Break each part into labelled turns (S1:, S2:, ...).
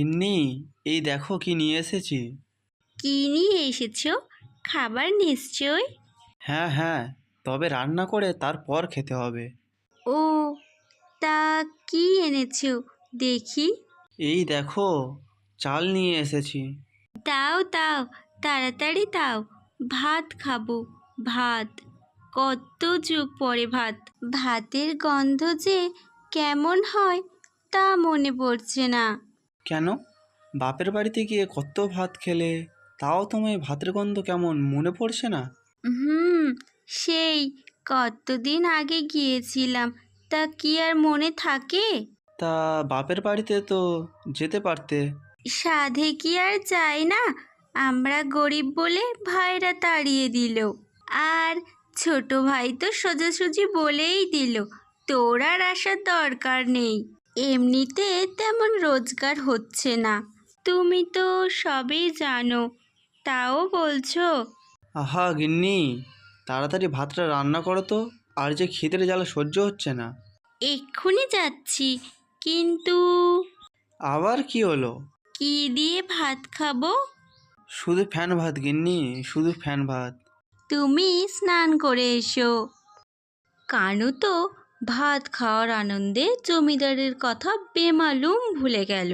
S1: গিন্নি, এই দেখো কি নিয়ে এসেছি।
S2: কি নিয়ে এসেছো? খাবার নিশ্চয়।
S1: হ্যাঁ হ্যাঁ, তবে রান্না করে তারপর খেতে হবে।
S2: ও, তা কি এনেছো দেখি?
S1: এই দেখো, চাল নিয়ে এসেছি।
S2: দাও দাও, তাড়াতাড়ি দাও। ভাত খাবো, ভাত। কত যুগ পরে ভাত। ভাতের গন্ধ যে কেমন হয় তা মনে পড়ছে না।
S1: কেন, বাপের বাড়িতে গিয়ে কত ভাত খেলে, তাও তোমায় ভাতের গন্ধ কেমন মনে পড়ছে না?
S2: হুম, সেই কতদিন আগে গিয়েছিলাম, তা কি আর মনে থাকে?
S1: তা বাপের বাড়িতে তো যেতে পারতে।
S2: সাধে কি আর যায় না? আমরা গরিব বলে ভাইরা তাড়িয়ে দিল। আর ছোট ভাই তো সোজাসুজি বলেই দিল, তোর আর আসার দরকার নেই। এমনিতে তেমন রোজগার হচ্ছে না, তুমি তো সবই জানো, তাও বলছো।
S1: আহা গিন্নি, তাড়াতাড়ি ভাতটা রান্না করো তো, আর যে খিদের জ্বালা সহ্য হচ্ছে না।
S2: এক্ষুনি যাচ্ছি, কিন্তু
S1: আবার কি হলো?
S2: কি দিয়ে ভাত খাবো?
S1: শুধু ফ্যান ভাত গিন্নি, শুধু ফ্যান ভাত।
S2: তুমি স্নান করে এসো। কানু তো ভাত খাওয়ার আনন্দে জমিদারের কথা বেমালুম ভুলে গেল।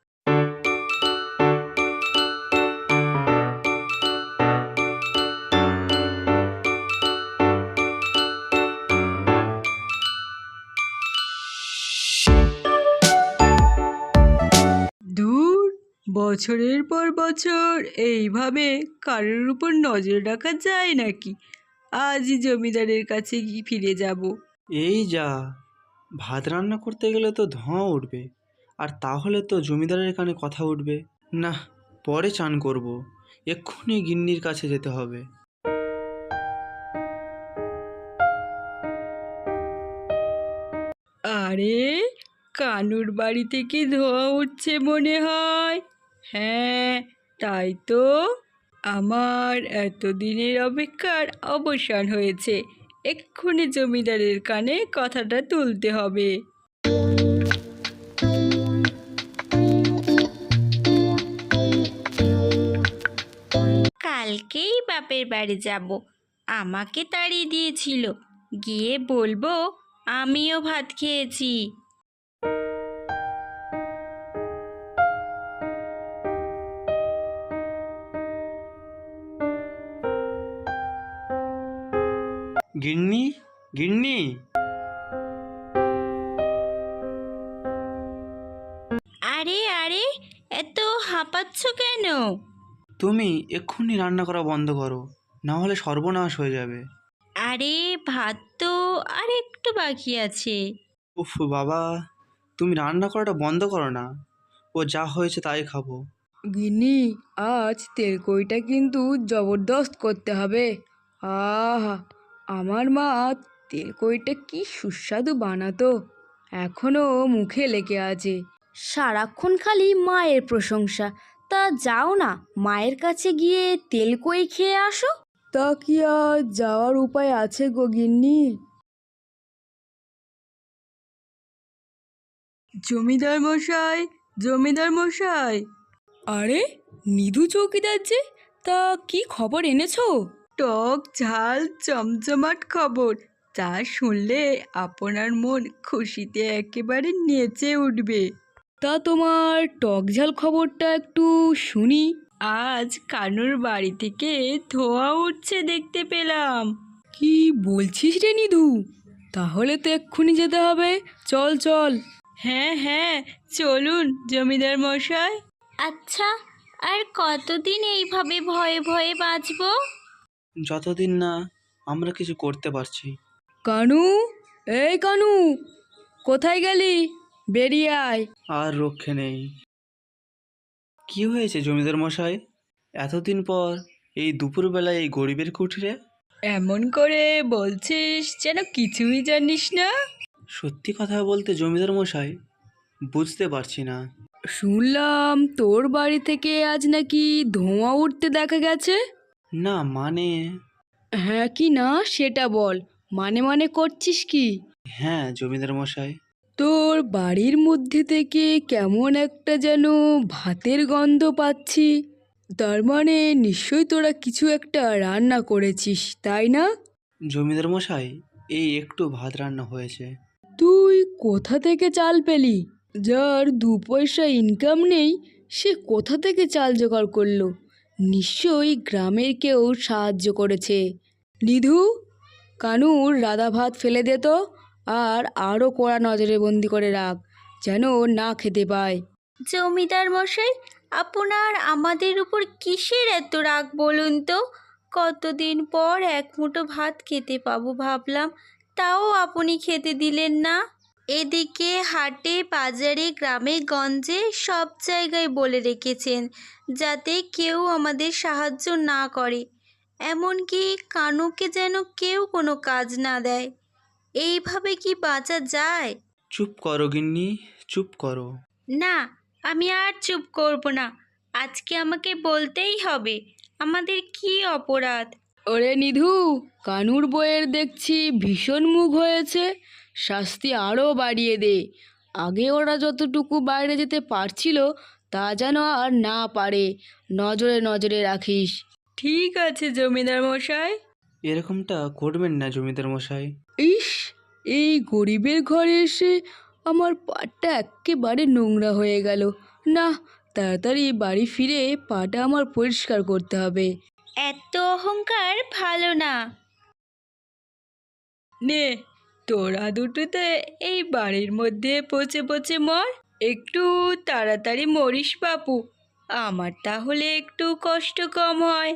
S3: দূর, বছরের পর বছর এইভাবে কারোর উপর নজর রাখা যায় নাকি? আজই জমিদারের কাছে ফিরে যাব।
S1: এই যা, ভাত রান্না করতে গেলে তো ধোঁয়া উঠবে, আর তাহলে তো জমিদারের কানে কথা উঠবে। না, পরে চান করব, এক্ষুনি গিন্নির কাছে যেতে হবে।
S3: আরে, কানুর বাড়ি থেকে ধোঁয়া উঠছে মনে হয়। হ্যাঁ, তাই তো। আমার এতদিনের অপেক্ষার অবসান হয়েছে। এক্ষুনি জমিদারের কানে কথাটা তুলতে হবে।
S2: কালকেই বাপের বাড়ি যাব, আমাকে তাড়িয়ে দিয়েছিল, গিয়ে বলবো আমিও ভাত খেয়েছি।
S1: গিন্নি, গিন্নি।
S2: আরে আরে, এত হাঁপাচ্ছ কেন?
S1: তুমি এক্ষুনি রান্না করা বন্ধ করো, না হলে সর্বনাশ হয়ে যাবে।
S2: আরে, ভাত তো আর একটু বাকি আছে।
S1: উফ বাবা, তুমি রান্না করাটা বন্ধ করো না, ও যা হয়েছে তাই খাবো।
S3: গিন্নি, আজ তেলকইটা কিন্তু জবরদস্ত করতে হবে। আহা, আমার মা তেলকইটা কি সুস্বাদু বানাতো, এখনো মুখে লেগে আছে।
S4: সারাক্ষণ খালি মায়ের প্রশংসা। তা যাও না, মায়ের কাছে গিয়ে তেলকই খেয়ে আসো।
S3: তা কি আর যাওয়ার উপায় আছে গো গিন্নি? জমিদার মশাই, জমিদার মশাই। আরে, নিধু চৌকিদার যে, তা কি খবর এনেছো? টক ঝাল চমচমাট খবর, যা শুনলে আপনার মন খুশিতে একেবারে নেচে উঠবে। তা তোমার টক ঝাল খবরটা একটু শুনি। আজ কানুর বাড়ি থেকে ধোঁয়া উঠছে দেখতে পেলাম। কি বলছিস রে নিধু? তাহলে তো এক্ষুনি যেতে হবে। চল চল। হ্যাঁ হ্যাঁ, চলুন জমিদার মশাই।
S2: আচ্ছা, আর কতদিন এইভাবে ভয়ে ভয়ে বাঁচবো?
S1: যতদিন না আমরা কিছু করতে পারছি।
S3: কানু, এই কানু, কোথায় গেলি? বেরিয়ে আয়।
S1: আর রক্ষে নেই। কি হয়েছে জমিদার মশাই, এতদিন পর এই দুপুরবেলায় এই গরিবের কুঠিরে?
S3: এমন করে বলছিস যেন কিছুই জানিস না।
S1: সত্যি কথা বলতে জমিদার মশাই, বুঝতে পারছি না।
S3: শুনলাম তোর বাড়ি থেকে আজ নাকি ধোঁয়া উঠতে দেখা গেছে।
S1: না মানে,
S3: হ্যাঁ কি না সেটা বল, মানে মানে করছিস কি?
S1: হ্যাঁ জমিদার মশাই।
S3: তোর বাড়ির মধ্যে থেকে কেমন একটা যেন ভাতের গন্ধ পাচ্ছি। তার মানে নিশ্চয়ই তোরা কিছু একটা রান্না করেছিস, তাই না?
S1: জমিদার মশাই, এই একটু ভাত রান্না হয়েছে।
S3: তুই কোথা থেকে চাল পেলি? যার 2 পয়সা ইনকাম নেই সে কোথা থেকে চাল জোগাড় করলো? নিশ্চয়ই গ্রামের কেউ সাহায্য করেছে। নিধু, কানুর রাধা ভাত ফেলে দে তো, আর আরও কড়া নজরে বন্দি করে রাখ, যেন না খেতে পায়।
S2: জমিদার মশাই, আপনার আমাদের উপর কিসের এত রাগ বলুন তো? কতদিন পর এক মুঠো ভাত খেতে পাবো ভাবলাম, তাও আপনি খেতে দিলেন না। এদিকে হাটে বাজারে গ্রামে গঞ্জে সব জায়গায় বলে রেখেছেন যাতে কেউ আমাদের সাহায্য না করে, এমনকি কানুকে যেন কেউ কোনো কাজ না দেয়। এইভাবে কি বাঁচা যায়?
S1: চুপ করো গিন্নি, চুপ করো।
S2: না, আমি আর চুপ করব না। আজকে আমাকে বলতেই হবে আমাদের কি অপরাধ।
S3: ওরে নিধু, কানুর বইয়ের দেখছি ভীষণ মুখ হয়েছে, শাস্তি আরও বাড়িয়ে দে। আগে ওরা যতটুকু বাইরে যেতে পারছিল তা যেন আর না পারে, নজরে নজরে রাখিস। ঠিক আছে জমিদার মশাই।
S1: এরকমটা করবেন না জমিদার মশাই।
S3: ইস, এই গরিবের ঘরে এসে আমার পাটা একেবারে নোংরা হয়ে গেল। না, তাড়াতাড়ি বাড়ি ফিরে পাটা আমার পরিষ্কার করতে হবে।
S2: এত অহংকার ভালো না।
S3: নে, তোরা দুটোতে এই বাড়ির মধ্যে পচে পচে মর। একটু তাড়াতাড়ি মরিস বাপু, আমার তাহলে একটু কষ্ট কম হয়।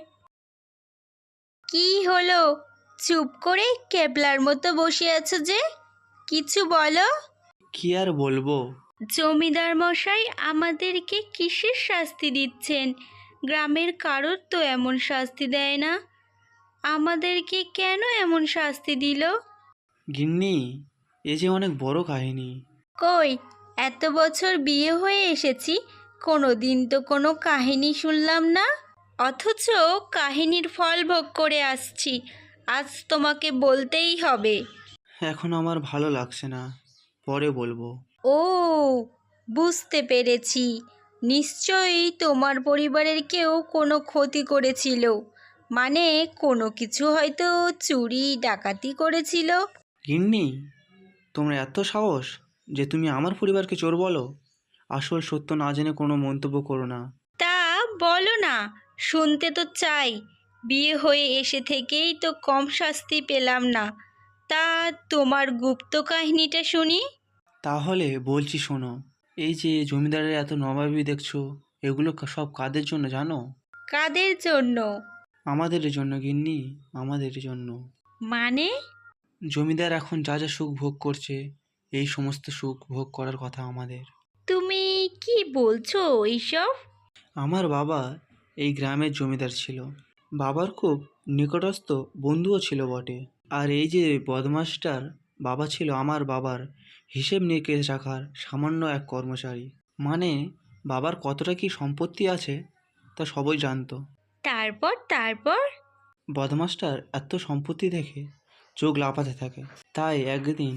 S2: কি হলো? চুপ করে কেবলার মতো বসে আছো যে? কিছু বলো।
S1: কি আর বলবো?
S2: জমিদার মশাই আমাদেরকে কিসের শাস্তি দিচ্ছেন? গ্রামের কারোর তো এমন শাস্তি দেয় না। আমাদেরকে কেন এমন শাস্তি দিল?
S1: গিন্নি, এ যে অনেক বড় কাহিনী।
S2: কই, এত বছর বিয়ে হয়ে এসেছি, কোনো দিন তো কোনো কাহিনী শুনলাম না। অথচ কাহিনীর ফল ভোগ করে আসছি, আজ তোমাকে বলতেই হবে।
S1: এখন আমার ভালো লাগছে না, পরে বলবো।
S2: ও, বুঝতে পেরেছি। নিশ্চয়ই তোমার পরিবারের কেউ কোনো ক্ষতি করেছিল, মানে কোনো কিছু হয়তো চুরি ডাকাতি করেছিল।
S1: গিন্নি, তোমরা এত সাহস যে তুমি আমার পরিবারকে চোর বলো? আসল সত্য না জেনে কোনো মন্তব্য করো না।
S2: তা বলো না, শুনতে তো চাই। বিয়ে হয়ে এসে থেকেই তো কম শাস্তি পেলাম না। তা তোমার গুপ্ত কাহিনীটা শুনি।
S1: তাহলে বলছি শোনো। এই যে জমিদারের এত নবাবী দেখছো, এগুলো সব কাদের জন্য জানো?
S2: কাদের জন্য?
S1: আমাদের জন্য গিন্নি, আমাদের জন্য।
S2: মানে?
S1: জমিদার এখন যা যা সুখ ভোগ করছে, এই সমস্ত সুখ ভোগ করার কথা আমাদের।
S2: তুমি কি বলছো এইসব?
S1: আমার বাবা এই গ্রামের জমিদার ছিল। বাবার খুব নিকটস্থ বন্ধুও ছিল বটে। আর এই যে বদমাসটার বাবা ছিল আমার বাবার হিসেব নিকেশ রাখার সামান্য এক কর্মচারী। মানে বাবার কতটা কি সম্পত্তি আছে তা সবাই জানতো।
S2: তারপর তারপর?
S1: বদমাসটার এত সম্পত্তি দেখে চোখ লাফাতে থাকে। তাই একদিন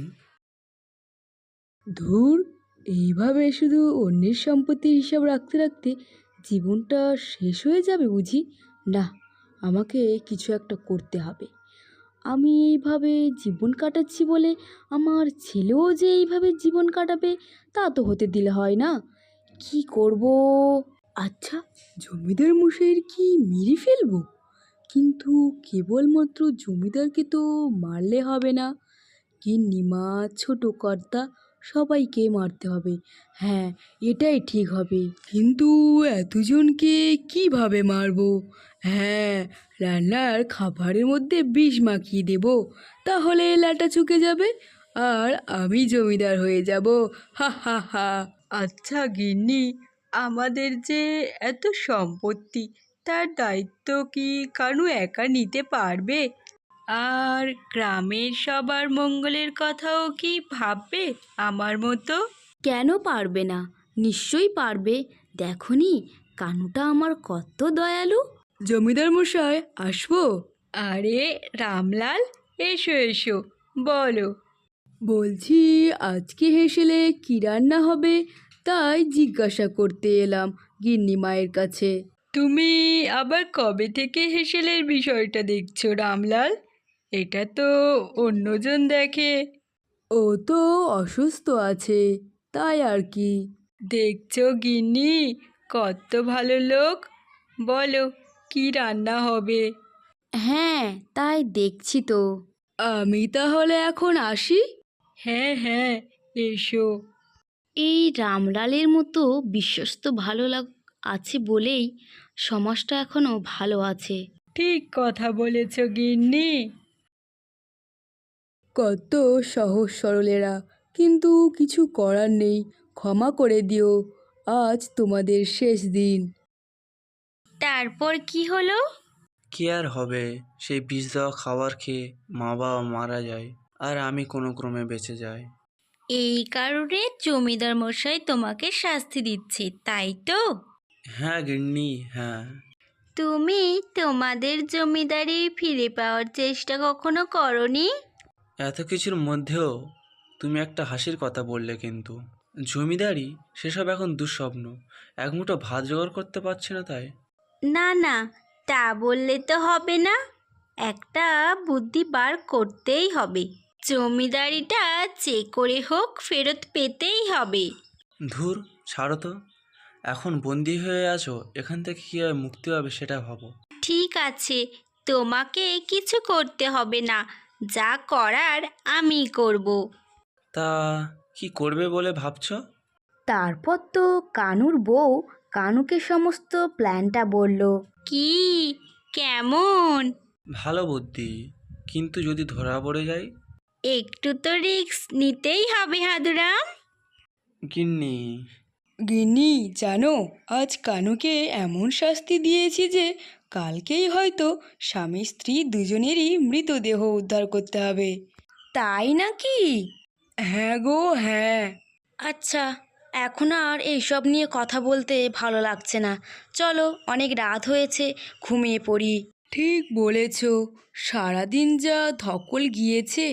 S3: ধুর, এইভাবে শুধু অন্যের সম্পত্তির হিসাব রাখতে রাখতে জীবনটা শেষ হয়ে যাবে বুঝি? না, আমাকে কিছু একটা করতে হবে। আমি এইভাবে জীবন কাটাচ্ছি বলে আমার ছেলেও যে এইভাবে জীবন কাটাবে তা তো হতে দিলে হয় না। কি করব? আচ্ছা, জমিদার মশাইয়ের কি মেরে ফেলবো? কিন্তু কেবলমাত্র জমিদারকে তো মারলে হবে না, গিন্নিমা, ছোট কর্তা সবাইকে মারতে হবে। হ্যাঁ, এটাই ঠিক হবে। কিন্তু এতজনকে কিভাবে মারবো? হ্যাঁ, রান্নার খাবারের মধ্যে বিষ মাখিয়ে দেব, তাহলে লাটা চুকে যাবে আর আমি জমিদার হয়ে যাব। হা হা হা। আচ্ছা গিন্নি, আমাদের যে এত সম্পত্তি তার দায়িত্ব কি কানু একা নিতে পারবে? আর গ্রামের সবার মঙ্গলের কথাও কি ভাববে আমার মতো?
S4: কেন পারবে না? নিশ্চয়ই পারবে। দেখনি কানুটা আমার কত দয়ালু।
S3: জমিদার মশাই, আসবো? আরে রামলাল, এসো এসো, বলো। বলছি আজকে হেসেলে কি রান্না হবে তাই জিজ্ঞাসা করতে এলাম গিন্নি মায়ের কাছে। তুমি আবার কবে থেকে হেসেলের বিষয়টা দেখছো রামলাল? এটা তো অন্যজন দেখে। ও তো অসুস্থ আছে, তাই আর কি। দেখছো গিন্নি, কত ভালো লোক। বলো কি রান্না হবে?
S4: হ্যাঁ, তাই দেখছি তো।
S3: আমি তাহলে এখন আসি। হ্যাঁ হ্যাঁ, এসো।
S4: এই রামলালের মতো বিশ্বস্ত আছে বলেই সমাজটা এখনো ভালো আছে।
S3: ঠিক কথা বলেছ গিন্নি। কত সহজ সরলেরা, কিন্তু কিছু করার নেই, ক্ষমা করে দিও, আজ তোমাদের শেষ দিন।
S2: তারপর কি হলো?
S1: কি আর হবে, সেই বিষ দেওয়া খাবার খেয়ে মা বাবা মারা যায়, আর আমি কোনো ক্রমে বেঁচে যাই।
S2: এই কারণে জমিদার মশাই তোমাকে শাস্তি দিচ্ছে, তাই তো?
S1: হ্যাঁ গিন্নি, হ্যাঁ।
S2: তুমি তোমাদের জমিদারি ফিরে পাওয়ার চেষ্টা কখনো করনি?
S1: এত কিছুর মধ্যেও তুমি একটা হাসির কথা বললে কিন্তু। জমিদারি সেসব এখন দুঃস্বপ্ন, এক মুঠো ভাত জোগাড় করতে পারছি না তাই।
S2: না না, তা বললে তো হবে না। একটা বুদ্ধি বার করতেই হবে। জমিদারিটা যে করে হোক ফেরত পেতেই হবে।
S1: ধুর, ছাড়ো তো। এখন বন্দি হয়ে আছো, এখান থেকে কীভাবে মুক্তি হবে সেটা ভাবো।
S2: ঠিক আছে, তোমাকে কিছু করতে হবে না, যা করার আমি করব।
S1: তা কি করবে বলে ভাবছো?
S4: তারপর তো কানুর বউ কানুকে সমস্ত প্ল্যানটা বলল।
S2: কি? কেমন?
S1: ভালো বুদ্ধি, কিন্তু যদি ধরা পড়ে যাই?
S2: একটু তো রিস্ক নিতেই হবে হাদুরাম।
S1: গিন্নি।
S3: গিন্নি জানো, আজ কানুকে এমন শাস্তি দিয়েছি যে কালকেই হয়তো স্বামী স্ত্রী দুজনেরই মৃতদেহ উদ্ধার করতে হবে।
S4: তাই নাকি?
S3: হ্যাঁ গো হ্যাঁ।
S4: আচ্ছা, এখন আর এইসব নিয়ে কথা বলতে ভালো লাগছে না। চলো, অনেক রাত হয়েছে, ঘুমিয়ে পড়ি।
S3: ঠিক বলেছ, সারাদিন যা ধকল গিয়েছে।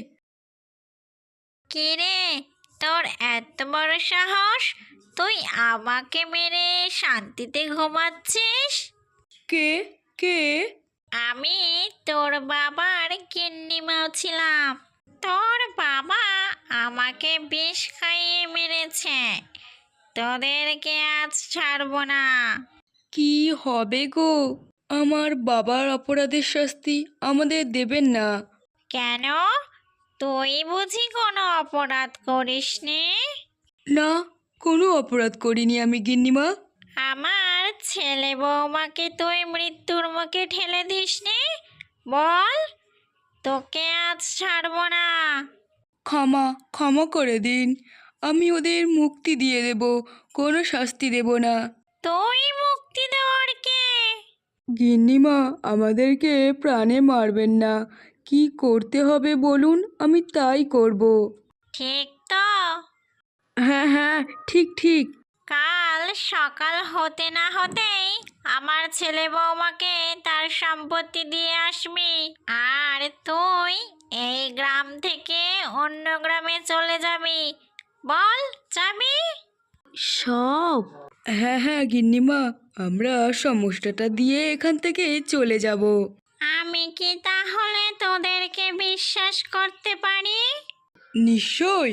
S2: কে রে, তোর এত বড় সাহস? তুই আমাকে মেরে শান্তিতে ঘুমাচ্ছিস?
S3: কে কে?
S2: আমি তোর বাবার গিন্নিমাও ছিলাম। তোর বাবা আমাকে বিষ খাইয়ে মেরেছে। তোদেরকে আজ ছাড়বো না।
S3: কি হবে গো? আমার বাবার অপরাধের শাস্তি আমাদের দেবেন না।
S2: কেন? তুই বুঝি কোনো অপরাধ করিসনি?
S3: না, কোনো অপরাধ করিনি আমি গিন্নিমা।
S2: আমার ছেলে বৌমাকে তুই মৃত্যুর মুখে ঠেলে দিসনি? বল, তোকে আজ ছাড়বো না।
S3: ক্ষমা ক্ষমা করে দিন, আমি ওদের মুক্তি দিয়ে দেব, কোনো শাস্তি দেব না।
S2: তুই মুক্তি দেওয়ার কে?
S3: গিন্নিমা, আমাদেরকে প্রাণে মারবেন না, কি করতে হবে বলুন, আমি তাই করব।
S2: ঠিক তো?
S3: হ্যাঁ হ্যাঁ, ঠিক ঠিক।
S2: কাল সকাল হতে না হতেই আমার ছেলে বৌমাকে তার সম্পত্তি দিয়ে আসবি। আর তুই এই গ্রাম থেকে অন্য গ্রামে চলে যাবি। বল, যাবি?
S4: সব?
S3: হ্যাঁ হ্যাঁ গিন্নিমা, আমরা সমস্যাটা দিয়ে এখান থেকে চলে যাব।
S2: আমি কি তাহলে তোদেরকে বিশ্বাস করতে পারি?
S3: নিশ্চয়।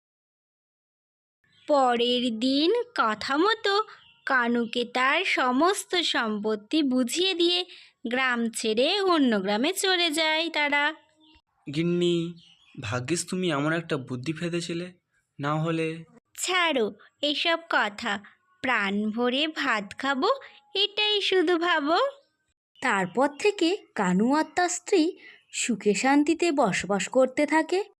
S2: পরের দিন কথা মতো কানুকে তার সমস্ত সম্পত্তি বুঝিয়ে দিয়ে গ্রাম ছেড়ে অন্য গ্রামে চলে যায় তারা।
S1: গিন্নি, ভাগ্যিস তুমি এমন একটা বুদ্ধি ফেলেছিলে, না হলে।
S2: ছাড়ো এসব কথা, প্রাণ ভরে ভাত খাবো এটাই শুধু ভাবো।
S4: তারপর থেকে কানু আর তার স্ত্রী সুখে শান্তিতে বসবাস করতে থাকে।